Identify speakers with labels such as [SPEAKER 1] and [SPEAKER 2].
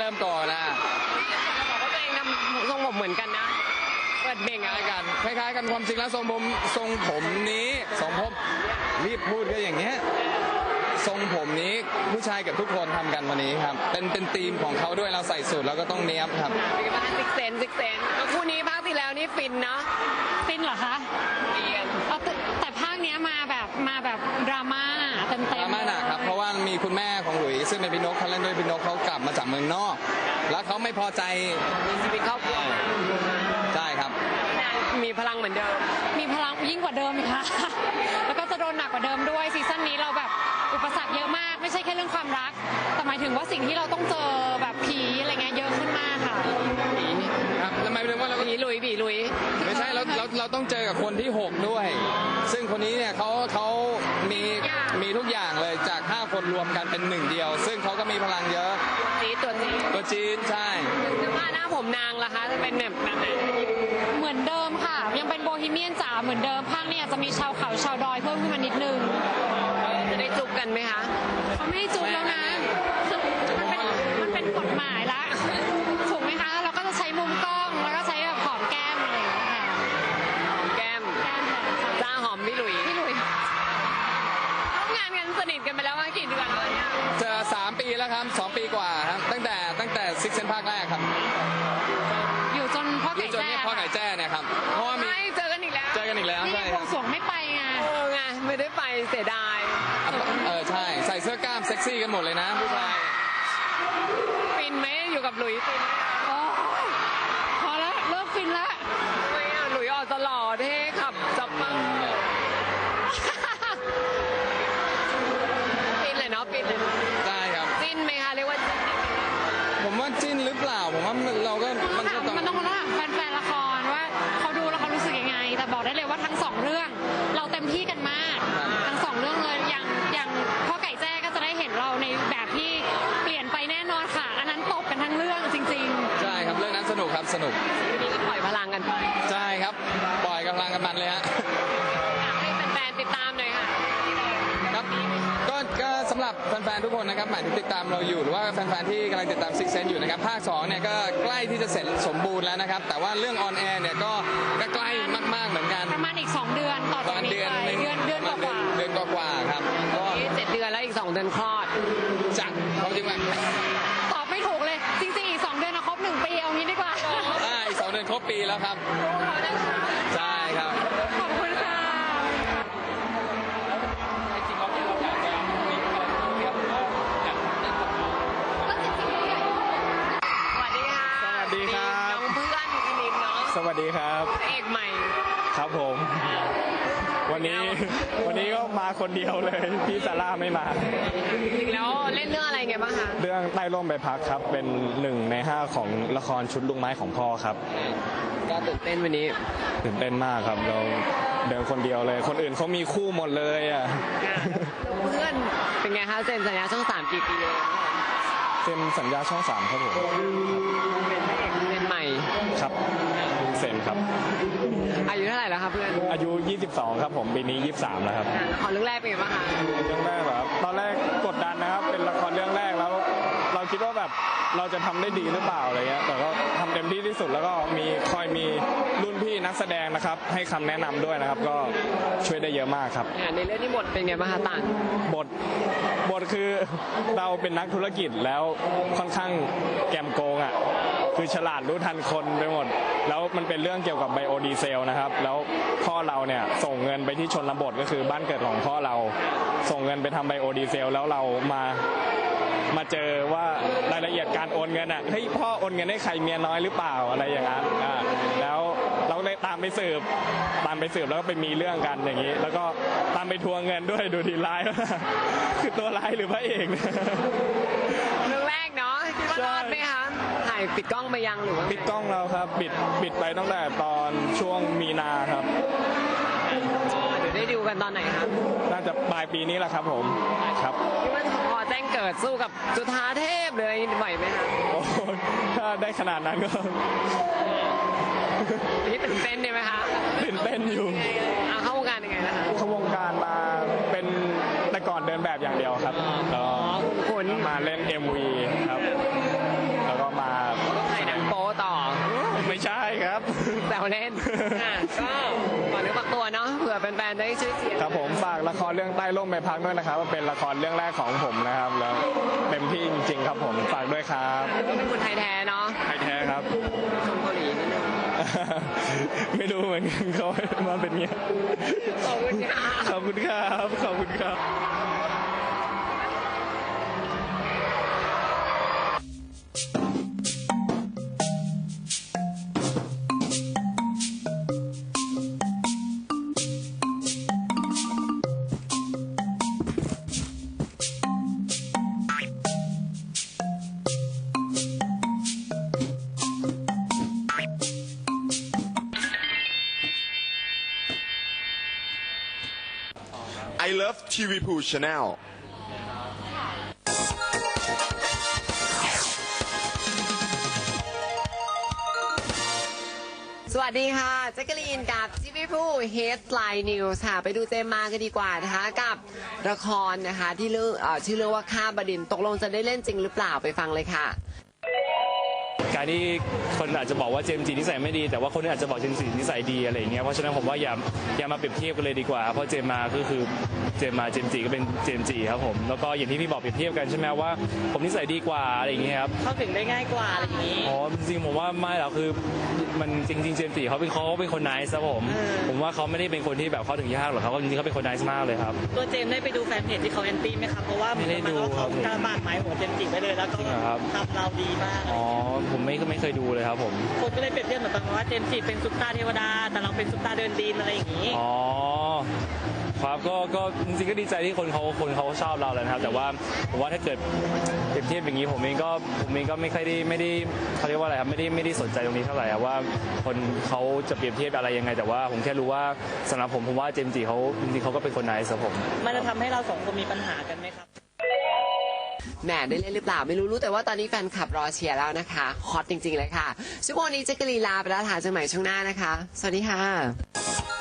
[SPEAKER 1] ริ่มก่อนนะ
[SPEAKER 2] บอกว่าตัวเองทำทรงผมเหมือนกันนะเปิดเบ่งอะไรกัน
[SPEAKER 1] คล้ายๆกันความจริงแล้วทรงผมนี้ทรงผมรีบพูดก็อย่างเงี้ยทรงผมนี้ผู้ชายกับทุกคนทำกันวันนี้ครับเป็นธีมของเขาด้วยเราใส่สูทแล้วก็ต้องเนี้ยบครับ
[SPEAKER 2] เป็นบ้านซิกเซนคู่นี้ภาคที่แล้วนี่ฟินเนาะ
[SPEAKER 3] ฟินเหรอคะแต่ภาคนี้มาแบบดราม่าเต็ม
[SPEAKER 1] ดราม่าหนักครับเพราะว่ามีคุณแม่ของหลุยซึ่งเป็นพี่นกเขาเล่นด้วยพี่นกเขากลับมาจากเมืองนอกแล้วเขาไม่พอใจ
[SPEAKER 2] ชีวิตครอบครัว
[SPEAKER 1] ใช่ครับ
[SPEAKER 2] มีพลังเหมือนเดิม
[SPEAKER 3] มีพลังยิ่งกว่าเดิมอีกค่ะแล้วก็จะโดนหนักกว่าเดิมด้วยซีซั่นนี้เราแบบอุปสรรคเยอะมากไม่ใช่แค่เรื่องความรักแต่หมายถึงว่าสิ่งที่เราต้องเจอแบบผีอะไรเงี้ยเยอะขึ้นมากค่ะ
[SPEAKER 1] ผีครับแล้วหมายถึงว่าเรา
[SPEAKER 2] ผีลุย
[SPEAKER 1] ไม่ใช่เราต้องเจอกับคนที่6ด้วยซึ่งคนนี้เนี่ยเขามีทุกอย่างเลยจาก5คนรวมกันเป็น1เดียวซึ่งเขาก็มีพลังเยอะตัวจีนใช่
[SPEAKER 2] เสื้อผ้าหน้าผมนางล่ะคะจะเป็นแบบไหน
[SPEAKER 3] เหมือนเดิมค่ะยังเป็นโบฮีเมียนจ๋าเหมือนเดิมภาคนี้อาจจะมีชาวเขาชาวดอยเพิ่มขึ้นมานิดนึง
[SPEAKER 2] จะได้จุบกันไหมคะ
[SPEAKER 3] เขาไม่ให้จุบแล้วนะมันเป็นกฎหมายละถูกไหมคะเราก็จะใช้มุมกล้องแล้วก็ใช้แบบหอมแก้มอะไรอย่างเงี้ยค่ะ
[SPEAKER 2] แก้มจ้าหอมพี่หลุยร่วมงานกันสนิทกันไปแล้วว่ากี่เดือนแล้วเนี่ย
[SPEAKER 1] เจอ3 ปีแล้วครับ2 ปีกว่าครับตั้งแต่ซิกเซนภาคแรกครับ
[SPEAKER 3] อยู่จนพ่อไก่แ
[SPEAKER 1] จ้เนี่ยครับเพราะว่ามี
[SPEAKER 2] เจอกันอีกแล้ว
[SPEAKER 3] นี่บวงสรวงไม่ไปไง
[SPEAKER 2] ไม่ได้ไปเสียดาย
[SPEAKER 1] ใช่ใส่เสื้อกล้ามเซ็กซี่กันหมดเลยนะผู้ชาย
[SPEAKER 2] ฟินไหมอยู่กับหลุยฟินไหม
[SPEAKER 3] พอแล้วเลิกฟินแล้ว
[SPEAKER 2] ไม่หลุยออกตลอดเท่ขับจับปังฟินเลยเนาะ
[SPEAKER 1] ได้ครับ
[SPEAKER 2] จิ้นไหมคะเรียกว่า
[SPEAKER 1] ผมว่าจิ้นหรือเปล่าผมว่าเราก็
[SPEAKER 3] มันต้องถามแฟนละครว่าเขาดูแล้วเขารู้สึกยังไงแต่บอกได้เลยว่าทั้ง2เรื่องเราเต็มที่กันมากทั้ง2เรื่องเลยอย่างพ่อไก่แจ้ก็จะได้เห็นเราในแบบที่เปลี่ยนไปแน่นอนค่ะอันนั้นตบกันทั้งเรื่องจริง
[SPEAKER 1] ๆใช่ครับเรื่องนั้นสนุกครับสนุก
[SPEAKER 2] นี่ก็ปล่อยพลังกันไป
[SPEAKER 1] ใช่ครับปล่อยกำลังกันมันเลยฮะ
[SPEAKER 2] อยากให้แฟนๆติดตามหน่อยค่ะ
[SPEAKER 1] ครับก็สำหรับแฟนๆทุกคนนะครับหมายถึงติดตามเราอยู่หรือว่าแฟนๆที่กำลังติดตามซิกเซนอยู่นะครับภาค2เนี่ยก็ใกล้ที่จะเสร็จสมบูรณ์แล้วนะครับแต่ว่าเรื่องออนแอร์เนี่ยก็ใกล้มากๆเหมือนกัน
[SPEAKER 3] ประมาณอีก2 เดือนต่อจากนี้ไปเดือนก
[SPEAKER 1] ว่าครับ
[SPEAKER 2] ก็7 เดือนแล้วอีก2 เดือนคลอด
[SPEAKER 1] จัดเขาจริงไหม
[SPEAKER 3] ตอบไม่ถูกเลยจริงๆอีก2 เดือนนะครบ1 ปีเอางี้ดีกว่า
[SPEAKER 1] อีก2 เดือนครบปีแล้วครับใช่ครับ
[SPEAKER 3] ขอบคุณค่ะ
[SPEAKER 1] สวัสดีครับ
[SPEAKER 2] เอกใหม่
[SPEAKER 1] ครับผมวันนี้ก็มาคนเดียวเลยพี่ซาร่าไม่มา
[SPEAKER 2] แล้วเล่นเรื่องอะไรไงบ้างคะ
[SPEAKER 1] เรื่องใต้ร่มใบพัดครับเป็น1 ใน 5ของละครชุดลุงไม้ของพ่อครับ
[SPEAKER 2] ก็ตื่นเต้นวันนี้
[SPEAKER 1] ตื่นเต้นมากครับเราเดินคนเดียวเลยคนอื่นเขามีคู่หมดเลยอ่ะ
[SPEAKER 2] เพื่อนเป็นไงคะเซ็นสัญญาช่อง3กี่ปีเลย
[SPEAKER 1] เซ็นสัญญาช่อง3ครับผม
[SPEAKER 2] เป็นใหม่
[SPEAKER 1] ครับเซ็นครับ
[SPEAKER 2] อายุเท่าไหร่แล้วครับเพื่อน
[SPEAKER 1] อายุ22ครับผมปีนี้23แล้วครับ
[SPEAKER 2] ละครเรื่องแรกเป็นไงบ้างคะ
[SPEAKER 1] เรื่องแรกเหรอตอนแรกกดดันนะครับเป็นละครเรื่องแรกแล้วเราคิดว่าแบบเราจะทำได้ดีหรือเปล่าอะไรเงี้ยแต่ก็ทำเต็มที่ที่สุดแล้วก็มีรุ่นพี่นักแสดงนะครับให้คำแนะนำด้วยนะครับก็ช่วยได้เยอะมากครับ
[SPEAKER 2] ในเรื่องที่บทเป็นไงบ้างคะต่าง
[SPEAKER 1] บทคือเราเป็นนักธุรกิจแล้วค่อนข้างแกมโกงอ่ะคือฉลาดรู้ทันคนไปหมดแล้วมันเป็นเรื่องเกี่ยวกับไบโอดีเซลนะครับแล้วพ่อเราเนี่ยส่งเงินไปที่ชนบทก็คือบ้านเกิดของพ่อเราส่งเงินไปทำไบโอดีเซลแล้วเรามาเจอว่ารายละเอียดการโอนเงินอ่ะเฮ้ยพ่อโอนเงินให้ใครเมียน้อยหรือเปล่าอะไรอย่างนั้นแล้วเราเลยตามไปสืบแล้วก็ไปมีเรื่องกันอย่างนี้แล้วก็ตามไปทวงเงินด้วยดูดีร้ายคือตัวร้ายหรือพระเอก
[SPEAKER 2] เรื่องแรกเนาะคิดว่ารอดไหมคะถ่ายปิดกล้องไปยังหรือว่า
[SPEAKER 1] ปิดกล้องแล้วครับปิดไปตั้งแต่ตอนช่วงมีนาครับ
[SPEAKER 2] เดี๋ยวได้ดูกันตอนไหนครับ
[SPEAKER 1] น่าจะปลายปีนี้แหละครับผมครับ
[SPEAKER 2] คิดว่าพอแจ้งเกิดสู้กับจุฑาเทพเลยไหวไหมครับ
[SPEAKER 1] โอ้ถ้าได้ขนาดนั้นก็
[SPEAKER 2] นี่ตื่นเต้นใช่ไหมคะ
[SPEAKER 1] ตื่นเต้นอยู่
[SPEAKER 2] เข้าวงการยังไงนะคะ
[SPEAKER 1] เข้าวงการมาเป็นแต่ก่อนเดินแบบอย่างเดียวครับแล้ว
[SPEAKER 2] คุณ
[SPEAKER 1] มาเล่น MV ครับแล้วก็รเรื่องใต้ร่มใบพักด้วยนะครับเป็นละครเรื่องแรกของผมนะครับแล้วเต็มที่จริงๆครับผมฝากด้วยครับ
[SPEAKER 2] ก็เป็นคนไทยแท้เนาะ
[SPEAKER 1] ไทยแท้ครับ
[SPEAKER 2] คนเกาหลีนิดนึง
[SPEAKER 1] ไม่รู้เหมือนกันเขามาเป็นเงี้ย
[SPEAKER 2] ขอบคุณค่ะ
[SPEAKER 1] ขอบคุณครับขอบคุณครับ
[SPEAKER 4] I love TV Pool Channel
[SPEAKER 2] สวัสดีค่ะแจ๊กกะลีนกับจิพี่ผู้ Headline News ค่ะไปดูเจมมากันดีกว่านะคะกับละครนะคะที่เรื่องชื่อเรื่องว่าข้าบดินทร์ตกลงจะได้เล่นจริงหรือเปล่าไปฟังเลยค่ะ
[SPEAKER 5] การที่คนอาจจะบอกว่าเจมส์จีนิสัยไม่ดีแต่ว่าคนนึงอาจจะบอกเจมส์จีนิสัยดีอะไรอย่างเงี้ยเพราะฉะนั้นผมว่าอย่ามาเปรียบเทียบกันเลยดีกว่าเพราะเจมมาก็คือเจมมาเจมส์จีก็เป็นเจมส์จีครับผมแล้วก็อย่างที่พี่บอกเปรียบเทียบกันใช่ไหมว่าผมนิสัยดีกว่าอะไรอย่างเงี้ยครับ
[SPEAKER 6] เข้าถึงได้ง่ายกว่าอะไรอย่างนี้
[SPEAKER 5] อ๋อจริงๆผมว่าไม่หรอกคือมันจริงๆเจมส์จีเขาเป็นคน nice ครับผมว่าเขาไม่ได้เป็นคนที่แบบเข้าถึงยากหรอกครับจริงๆเขาเป็นคน nice มากเลยครับ
[SPEAKER 6] ตัวเจมส์ได้ไปดูแฟนเพจที่เขาแอนตี้ไหมครับ เพราะว่า
[SPEAKER 5] ไม่ได้ดูครับ
[SPEAKER 6] เขาการบาดหมายหัวเจมส์จิไปเลยแล้วก็
[SPEAKER 5] จริงเหรอครับ
[SPEAKER 6] ทำเราดีมาก
[SPEAKER 5] อ๋อผมไม่เคยดูเลยครับผม
[SPEAKER 6] คนก็เลยเปรียบเทียบเหมือนกันว่าเจมส์จิเป็นซุปตาร์เทวดาแต่เราเป็นซุปตาร์เดินดินอะไรอย่างนี้
[SPEAKER 5] อ๋อครับก็จริงๆก็ดีใจที่คนเขาชอบเราแหละนะครับแต่ว่าผมว่าถ้าเกิดเปรียบเทียบอย่างนี้ผมเองก็ไม่ค่อยได้เขาเรียกว่าอะไรครับไม่ได้สนใจตรงนี้เท่าไหร่ครับว่าคนเขาจะเปรียบเทียบอะไรยังไงแต่ว่าผมแค่รู้ว่าสำหรับผมว่าเจมส์จีเขาจริงๆเขาก็เป็นคนไนซ์ครับผม
[SPEAKER 6] มันจะทำให้เราสองคนมีปัญหากันไหมครับ
[SPEAKER 2] แหมได้เล่นหรือเปล่าไม่รู้แต่ว่าตอนนี้แฟนคลับรอเชียร์แล้วนะคะฮอตจริงๆเลยค่ะชั่วโมงนี้แจ๊กกะลีนลาไปแล้วถามจังใหม่ช่วงหน้านะคะสวัสดีค่ะ